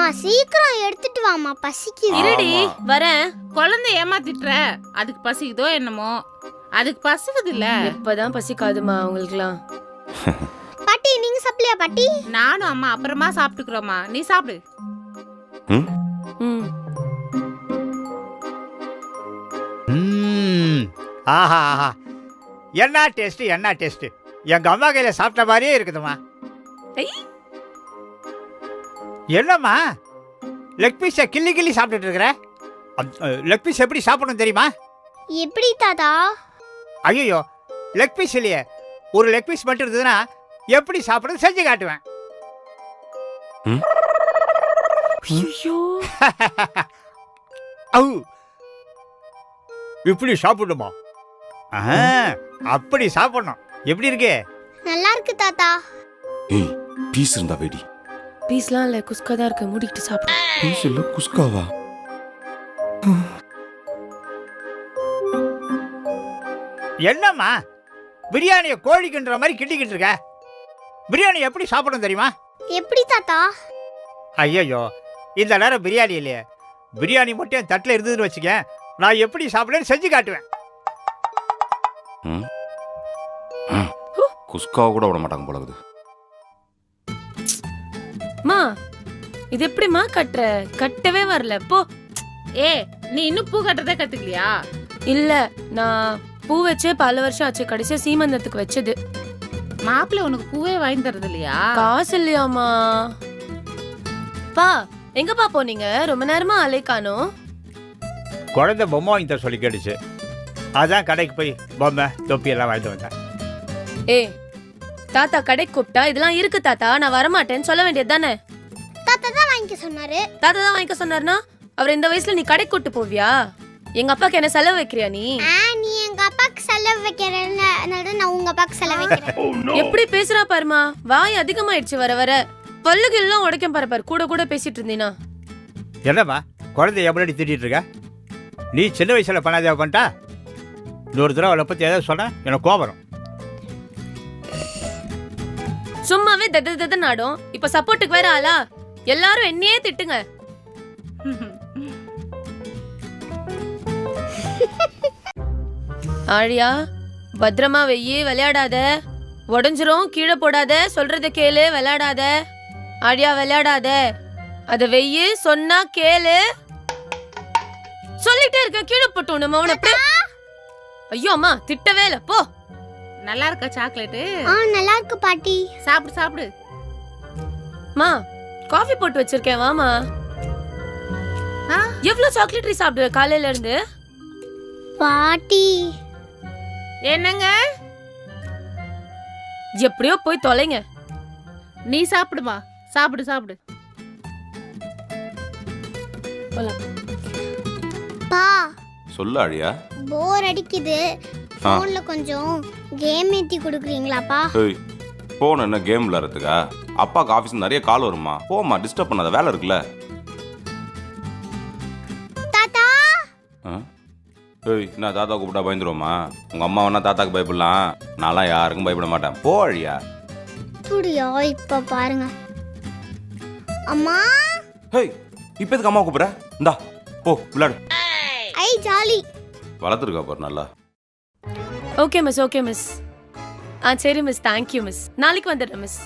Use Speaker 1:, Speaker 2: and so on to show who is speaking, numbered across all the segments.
Speaker 1: சீக்கிரம் எடுத்துட்டு வாமா, பசிக்குது.
Speaker 2: இருடி வரேன். குழந்தை ஏமாத்திட்டுற, அதுக்கு பசிக்குதோ என்னமோ. அதுக்கு பசிக்குது இல்ல.
Speaker 3: இப்பதான் பசிக்காதுமா அவங்களுக்குலாம்.
Speaker 1: பாட்டி நீங்க சாப்பிடலையா பாட்டி?
Speaker 2: நானும் அம்மா அப்புறமா சாப்பிட்டுக்கிறோமா, நீ சாப்பிடு.
Speaker 3: ம்
Speaker 4: ஆஹா ஆஹா, என்ன டேஸ்ட் என்ன டேஸ்ட். எங்க அம்மா கையில சாப்பிட்ட மாதிரியே இருக்குதுமா. என்னம்மா லெக் பீஸை கிள்ளி கிள்ளி சாப்பிட்டுட்டு இருக்கிற? லெக் பீஸ் எப்படி சாப்பிடணும் தெரியுமா?
Speaker 1: எப்படி தாத்தா?
Speaker 4: ஐயோ, லெக் பீஸ் இல்லையே, ஒரு லெக் பீஸ் மட்டும் இருந்ததுன்னா எப்படி சாப்பிடுறது செஞ்சு காட்டுவேன். இப்படி சாப்பிடுமா? அப்படி சாப்பிடணும். எப்படி இருக்கு?
Speaker 1: நல்லா இருக்கு தாத்தா.
Speaker 5: ஏய், பீஸ் இருந்தா வெடி.
Speaker 3: பீஸ்லாம் இல்ல, குஸ்கா தான் இருக்கு. மூடிட்டு சாப்பிடு.
Speaker 5: பீஸ் இல்ல, குஸ்காவா?
Speaker 4: என்னம்மா பிரியாணியை கோழிக்குன்ற மாதிரி கிண்டிக்கிட்டு இருக்க? பிரியாணி எப்படி சாப்பிடணும் தெரியுமா?
Speaker 1: எப்படி தாத்தா?
Speaker 4: ஐயோ, இந்த நேரம் பிரியாணி இல்லையே. பிரியாணி மட்டும் என் தட்டில் இருந்ததுன்னு வச்சுக்க, நான் எப்படி சாப்பிடுன்னு செஞ்சு காட்டுவேன்.
Speaker 5: குஸ்காவை கூட விட மாட்டாங்க போல இருக்குது.
Speaker 3: மா இது எப்படிமா கட்டுற? கட்டவே வரல போ.
Speaker 2: ஏ, நீ இன்னும் பூ கட்டுறதே கத்துக்கலையா?
Speaker 3: இல்ல, நான் பூ வச்சே பல வருஷம் ஆச்சு. கடைசியா சீமந்தத்துக்கு வச்சது.
Speaker 2: மாப்பிள்ளை உனக்கு பூவே வாங்கி தரது இல்லையா?
Speaker 3: காசு இல்லையாமா? பா எங்கப்பா போனீங்க? ரொம்ப நேரமா அலை காணோம்.
Speaker 4: குழந்தை பொம்மை வாங்கி தர சொல்லி கேட்டுச்சு, அதான் கடைக்கு போய் பொம்மை தொப்பி எல்லாம் வாங்கிட்டு வந்தேன்.
Speaker 3: ஏய், தாத்தா கடைக்கு கூப்பிட்டா இதெல்லாம் இருக்கு தாத்தா, நான் வரமாட்டேன்னு சொல்ல வேண்டியது தானே?
Speaker 1: தாத்தா தான் வாங்கிக்க சொன்னாரு.
Speaker 3: தாத்தா தான் வாங்கிக்க சொன்னார்னா அவர் இந்த வயசுல நீ கடைக்கு கூட்டு போவியா? எங்க அப்பாக்கு என்ன செலவு வைக்கிறியா நீ?
Speaker 1: நீ எங்க அப்பாக்கு செலவு வைக்கிறேன்னு நான் உங்க அப்பாக்கு செலவு வைக்கிறேன்.
Speaker 3: எப்படி பேசுறா பாருமா, வாய் அதிகமாயிடுச்சு வர வர. பல்லுக்கு எல்லாம் உடைக்கும் பாரு. கூட கூட பேசிட்டு இருந்தீனா.
Speaker 4: என்னம்மா குழந்தை எப்படி திட்டிட்டு இருக்க? நீ சின்ன வயசுல பண்ணாதே பண்ணிட்டா, இன்னொரு தடவை அவளை பத்தி ஏதாவது சொன்ன எனக்கு கோபம் வரும்.
Speaker 3: சும்மாவே தத நாடும். இப்ப சப்போர்ட்டுக்கு வேற ஆளா? எல்லாரும் என்னையே திட்டுங்க. ஆழியா, பத்திரமா வெய்யி, விளையாடாத. உடஞ்சிரும், கீழே போடாத. சொல்றத கேளு, விளையாடாத. ஆழியா விளையாடாத, அத வெய்யி, சொன்னா கேளு. சொல்லிட்டே இருக்க, கீழே போட்டு நம்ம அவனை. ஐயோ அம்மா திட்டவே இல்ல, போ.
Speaker 2: நல்லா இருக்கா சாக்லேட்டு?
Speaker 1: நல்லா இருக்கு பாட்டி.
Speaker 2: சாப்பிடு சாப்பிடு.
Speaker 3: மா காஃபி போட்டு வச்சிருக்கேன், வாமா. எவ்வளவு சாக்லேட் சாப்பிடுவ காலையில இருந்து?
Speaker 1: பாட்டி
Speaker 2: என்னங்க?
Speaker 3: எப்படியோ போய் தொலைங்க.
Speaker 2: நீ சாப்பிடுமா, சாப்பிடு சாப்பிடு.
Speaker 1: பா
Speaker 5: சொல்லு ஆழியா.
Speaker 1: போர் அடிக்குது, போன்ல கொஞ்சம் கேம் ஏத்தி கொடுக்குறீங்களாப்பா?
Speaker 5: ஏய், போன் என்ன கேம் விளையாடுறதுக்கா? அப்பாக்கு ஆஃபீஸ் நிறைய கால் வருமா, போமா, டிஸ்டர்ப் பண்ணாத, வேலை இருக்குல்ல.
Speaker 1: தாத்தா
Speaker 5: ஏய், நான் தாத்தா கூப்பிட்டா பயந்துருவோமா? உங்க அம்மா வேணா தாத்தாக்கு பயப்படலாம், நான்லாம் யாருக்கும் பயப்பட மாட்டேன். போ அழியா.
Speaker 1: புரியா? இப்ப பாருங்க அம்மா.
Speaker 5: ஹேய், இப்போ எதுக்கு அம்மா கூப்பிடுற? இந்தா போ விளையாடு.
Speaker 1: ஐ ஜாலி.
Speaker 5: வளர்த்துருக்கா பாரு நல்லா.
Speaker 3: Okay miss, okay miss. சரி மிஸ், தேங்க்யூ மிஸ். நாளைக்கு வந்துடுறேன் மிஸ்.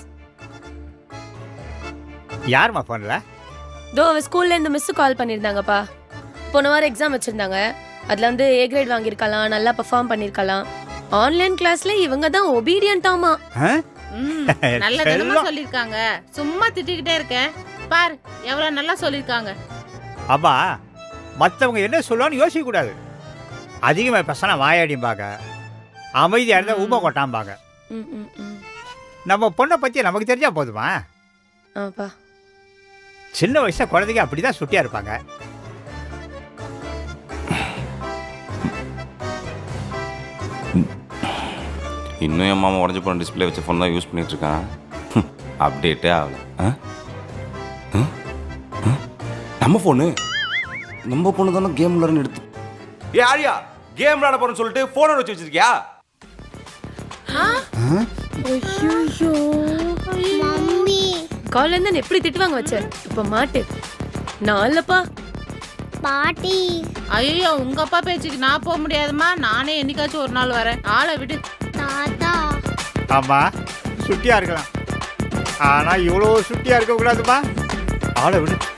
Speaker 4: யாருமா போன்ல?
Speaker 3: தோ ஸ்கூல்ல இருந்து மிஸ் கால் பண்ணிருந்தாங்கப்பா. போன வாரம் எக்ஸாம் வச்சிருந்தாங்க. அதுல வந்து A கிரேட் வாங்கியிருக்கலாம், நல்லா பெர்ஃபார்ம் பண்ணிருக்கலாம். ஆன்லைன் கிளாஸ்ல இவங்க தான் ஒபீடியன்ட்டாமா.
Speaker 2: நல்லதனமா சொல்லிருக்காங்க. சும்மா திட்டிக்கிட்டே இருக்க பாரு, எவ்வளவு நல்லா சொல்லிருக்காங்க.
Speaker 4: அம்மா மற்றவங்க என்ன சொல்லுவான்னு யோசிக்க கூடாது. அதிகமாக பேசினா வாயாடிம்பாங்க, அமைதியாக இருந்தால் ஊமை கொட்டாம்பாங்க. நம்ம பொண்ணை பற்றி நமக்கு தெரிஞ்சா போதுமா?
Speaker 3: ஆப்பா,
Speaker 4: சின்ன வயசுல குழந்தைங்க அப்படிதான் சுட்டியா இருப்பாங்க.
Speaker 5: இன்னும் என் மாமா உடஞ்சி போன டிஸ்பிளே வச்ச ஃபோன் தான் யூஸ் பண்ணிட்டு இருக்கான். அப்டேட்டே ஆகல. நம்ம ஃபோனு தானே கேம் விளையாடுன்னு எடுத்து. ஏ ஆரியா, கேம் விளையாட போறேன்னு சொல்லிட்டு ஃபோனை வச்சு வச்சிருக்கியா?
Speaker 1: மம்மி
Speaker 3: காலைல இருந்து எப்படி திட்டுவாங்க வச்ச, இப்ப மாட்டு. நான் இல்லப்பா.
Speaker 1: பாட்டி
Speaker 2: ஐயோ உங்க அப்பா பேச்சுக்கு நான் போக முடியாதுமா. நானே என்னைக்காச்சும் ஒரு நாள் வரேன். ஆளை விடு.
Speaker 1: தாத்தா
Speaker 4: ஆமாம் சுட்டியாக இருக்கலாம் ஆனால் இவ்வளோ சுட்டியாக இருக்கக்கூடாதுப்பா. ஆளை விடு.